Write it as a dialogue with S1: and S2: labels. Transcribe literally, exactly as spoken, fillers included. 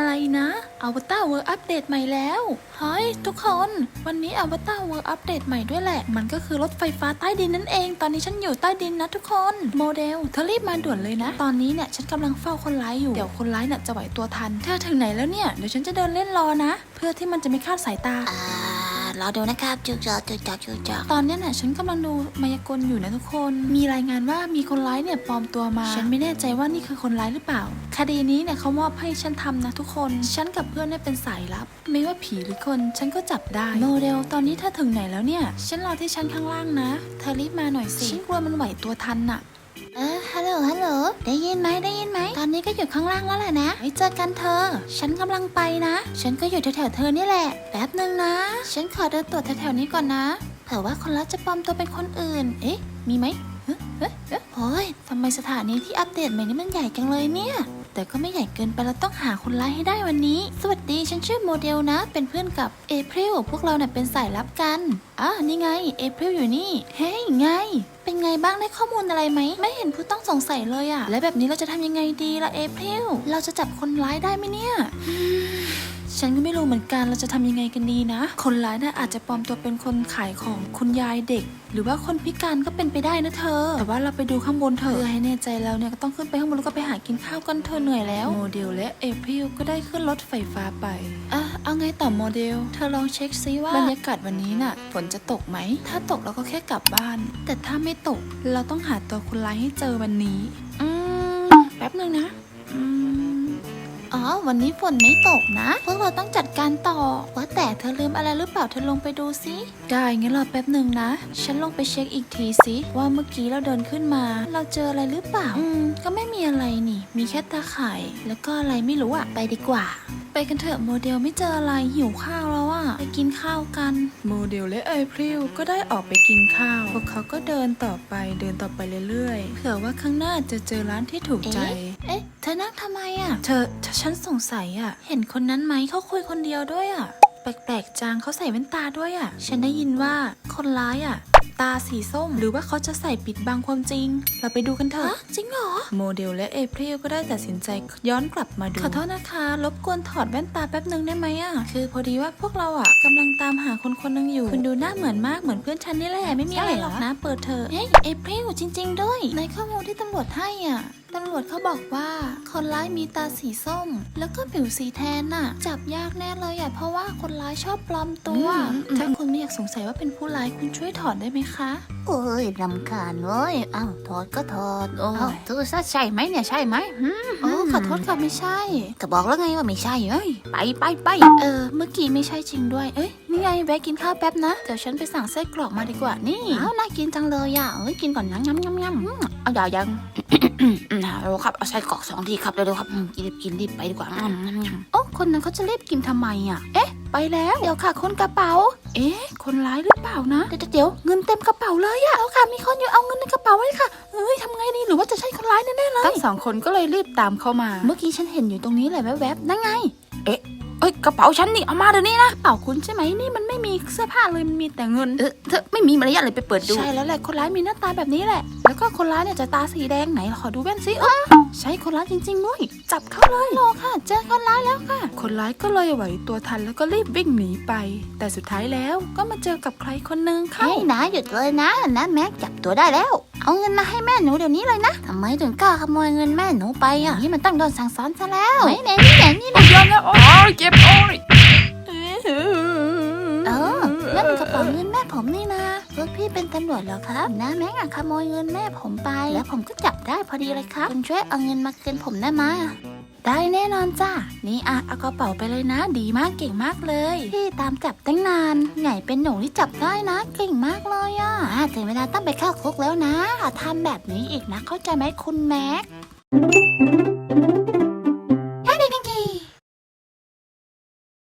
S1: อะไรนะอวตารเวิร์อัปเดตใหม่แล้วเฮ้ยทุกคนวันนี้อวตารเวิร์อัปเดตใหม่ด้วยแหละมันก็คือรถไฟฟ้าใต้ดินนั่นเองตอนนี้ฉันอยู่ใต้ดินนะทุกคนโมเดลเธอรีบมาด่วนเลยนะตอนนี้เนี่ยฉันกำลังเฝ้าคนร้ายอยู่เดี๋ยวคนร้ายเนี่ยจะไหวตัวทันเธอถึงไหนแล้วเนี่ยเดี๋ยวฉันจะเดินเล่นรอนะเพื่อที่มันจะไม่คลาดสายตา
S2: อ่ารอดูนะครับจุกจอกจุกจอกจุกจอก
S1: ตอนนี้น่ะฉันกำลังดูมายากลอยู่นะทุกคนมีรายงานว่ามีคนร้ายเนี่ยปลอมตัวมาฉันไม่แน่ใจว่านี่คือคนร้ายหรือเปล่าคดีนี้เนี่ยเขามอบให้ฉันทำนะทุกคนฉันกับเพื่อนเนี่ยเป็นสายลับไม่ว่าผีหรือคนฉันก็จับได้โมเดลตอนนี้เธอถึงไหนแล้วเนี่ยฉันรอที่ชั้นข้างล่างนะเธอรีบมาหน่อยสิฉันกลัวมันไหวตัวทันน่ะ
S2: เออฮัลโหลฮัลโหลได้ยินไหมได้ยินไหมตอนนี้ก็อยู่ข้างล่างแล้วแหละนะไว้เจอกันเธอฉันกำลังไปนะฉันก็อยู่แถวๆเธอนี่แหละแป๊บนึงนะฉันขอเดินตรวจแถวๆนี้ก่อนนะเผื่อว่าคนร้ายจะปลอมตัวเป็นคนอื่นเอ๊ะมีไหมเฮ้ยเฮ้ยเฮ้ยโอ้ยทำไมสถานีที่อัปเดตใหม่นี้มันใหญ่จังเลยเนี่ยแต่ก็ไม่ใหญ่เกินไปเราต้องหาคนร้ายให้ได้วันนี้สวัสดีฉันชื่อโมเดลนะเป็นเพื่อนกับเอพริลพวกเราเนี่ยเป็นสายลับกันอ่ะนี่ไงเอพริลอยู่นี่เฮ้ยไงเป็นไงบ้างได้ข้อมูลอะไรไหมไม่เห็นผู้ต้องสงสัยเลยอะและแบบนี้เราจะทำยังไงดีล่ะเอพริลเราจะจับคนร้ายได้ไหมเนี่ยฉันก็ไม่รู้เหมือนกันเราจะทำยังไงกันดีนะคนร้ายน่ะอาจจะปลอมตัวเป็นคนขายของคุณยายเด็กหรือว่าคนพิการก็เป็นไปได้นะเธอแต่ว่าเราไปดูข้างบนเถอะเพื่อให้แน่ใจแล้วเนี่ยก็ต้องขึ้นไปข้างบนแล้วก็ไปหากินข้าวกันเธอเหนื่อยแล้วโมเดลและเอพริลก็ได้ขึ้นรถไฟฟ้าไปอ่ะเอาไงต่อโมเดลเธอลองเช็คซิว่าบรรยากาศวันนี้น่ะฝนจะตกไหมถ้าตกเราก็แค่กลับบ้านแต่ถ้าไม่ตกเราต้องหาตัวคนร้ายให้เจอวันนี้อืมแป๊บนึงนะอืมอ๋อวันนี้ฝนไม่ตกนะพวกเราต้องจัดการต่อว่าแต่เธอลืมอะไรหรือเปล่าเธอลงไปดูสิได้งั้นรอแป๊บหนึ่งนะฉันลงไปเช็คอีกทีสิว่าเมื่อกี้เราเดินขึ้นมาเราเจออะไรหรือเปล่าอืมก็ไม่มีอะไรนี่มีแค่ตาข่ายแล้วก็อะไรไม่รู้อะไปดีกว่าไปกันเถอะโมเดลไม่เจออะไรหิวข้าวแล้วอะไปกินข้าวกันโมเดลและเอพริลก็ได้ออกไปกินข้าวพวกเขาก็เดินต่อไปเดินต่อไปเรื่อยๆเผื่อว่าข้างหน้าจะเจอร้านที่ถูกใจเอ๊ะเธอนั่งทำไมอะเธอฉันสงสัยอะเห็นคนนั้นไหมเขาคุยคนเดียวด้วยอะแปลกๆจังเขาใส่แว่นตาด้วยอะฉันได้ยินว่าคนร้ายอะตาสีส้มหรือว่าเขาจะใส่ปิดบังความจริงเราไปดูกันเถอะจริงเหรอโมเดลและเอพริลก็ได้ตัดสินใจย้อนกลับมาดูขอโทษนะคะรบกวนถอดแว่นตาแป๊บนึงได้ไหมอ่ะคือพอดีว่าพวกเราอ่ะกำลังตามหาคนคนนึงอยู่คุณดูหน้าเหมือนมากเหมือนเพื่อนฉันนี่แหละไม่มีอะไรหรอกนะเปิดเถอะเฮ้ยเอพริลจริงๆด้วยในข้อมูลที่ตำรวจให้อ่ะตำรวจเขาบอกว่าคนร้ายมีตาสีส้มแล้วก็ผิวสีแทนน่ะจับยากแน่เลยอ่ะเพราะว่าคนร้ายชอบปลอมตัวถ้าคุณไม่อยากสงสัยว่าเป็นผู้ร้ายคุณช่วยถอดได้ไหมคะโอ้ยรำคาญเว้ยอ้าวถอดก็ถอดโอ้ยเธอใช่ไหมเนี่ยใช่ไหม
S1: โอ้ขอโทษค่ะไม่ใช่
S2: ก็บอกแล้วไงว่าไม่ใช่เอ้ยไปไปไป
S1: เออเมื่อกี้ไม่ใช่จริงด้วยเอ้ยนี่ไงแวะกินข้าวแป๊บนะเดี๋ยวฉันไปสั่งไส้กรอกมาดีกว่านี่
S2: อ้าวน่ากินจังเลยอ่ะเอ้ยกินก่อนนะยำยำยำเอาอย่ายังเราครับเอาไส้กรอกสองทีครับเร็วๆครับรีบกินรีบไปดีกว่า
S1: โอ้คนนั้นเขาจะรีบกินทำไมอ่ะเอ๊ะไปแล้วเดี๋ยวค่ะคนกระเป๋าเอ๊ะคนร้ายหรือเปล่านะเดี๋ยวเดี๋ยวเงินเต็มกระเป๋าเลยอะแล้วค่ะมีคนอยู่เอาเงินในกระเป๋าไว้ค่ะเอ้ยทำไงดีหรือว่าจะใช่คนร้ายแน่ๆเลยทั้งสองคนก็เลยรีบตามเข้ามาเมื่อกี้ฉันเห็นอยู่ตรงนี้แหละแวบๆนั่นไง
S2: เอ๊ะเอ้ยกระเป๋าฉันนี่เอามาเดี๋ยวนี้นะ
S1: กระเป๋าคุณใช่ไหมนี่มันไม่มีเสื้อผ้าเลยมันมีแต่เงิน
S2: เออเธอไม่มีมารยาทเลยไปเปิดดู
S1: ใช่แล้วแหละคนร้ายมีหน้าตาแบบนี้แหละแล้วก็คนร้ายเนี่ยจะตาสีแดงไหนขอดูแว่นซิเออใช่คนร้ายจริงๆด้วยจับเขาเลยรอค่ะเจอคนร้ายแล้วค่ะคนร้ายก็เลยไหวตัวทันแล้วก็รีบวิ่งหนีไปแต่สุดท้ายแล้วก็มาเจอกับใครคนนึงค่ะ
S2: เฮ้ยนะหยุดเลยนะนะแม็กจับตัวได้แล้วเอาเงินมาให้แม่หนูเดี๋ยวนี้เลยนะทำไมถึงกล้าขโมยเงินแม่หนูไปอ่ะนี่มันต้องโดนสั่งสอนซะแล้วไม่เน้นนี่เน้นนี่นะ
S1: ยอมแล้วโอ้ยเจ็บโอ้ย
S2: เออนั่นกระเป๋าเงินแม่ผมนี่นะพวกพี่เป็นตำรวจเหรอครับนะแม่งขโมยเงินแม่ผมไปแล้วผมก็จับได้พอดีเลยครับคุณช่วยเอาเงินมาคืนผมได้ไหม
S1: ได้แน่นอนจ้านี่อ่ะเอากระเป๋าไปเลยนะดีมากเก่งมากเลย
S2: พี่ตามจับตั้งนานไงเป็นหนูที่จับได้นะเก่งมากเลยอ่ะถึงเวลาต้องไปเข้าคุกแล้วนะทำแบบนี้อีกนะเข้าใจไหมคุณแม็ก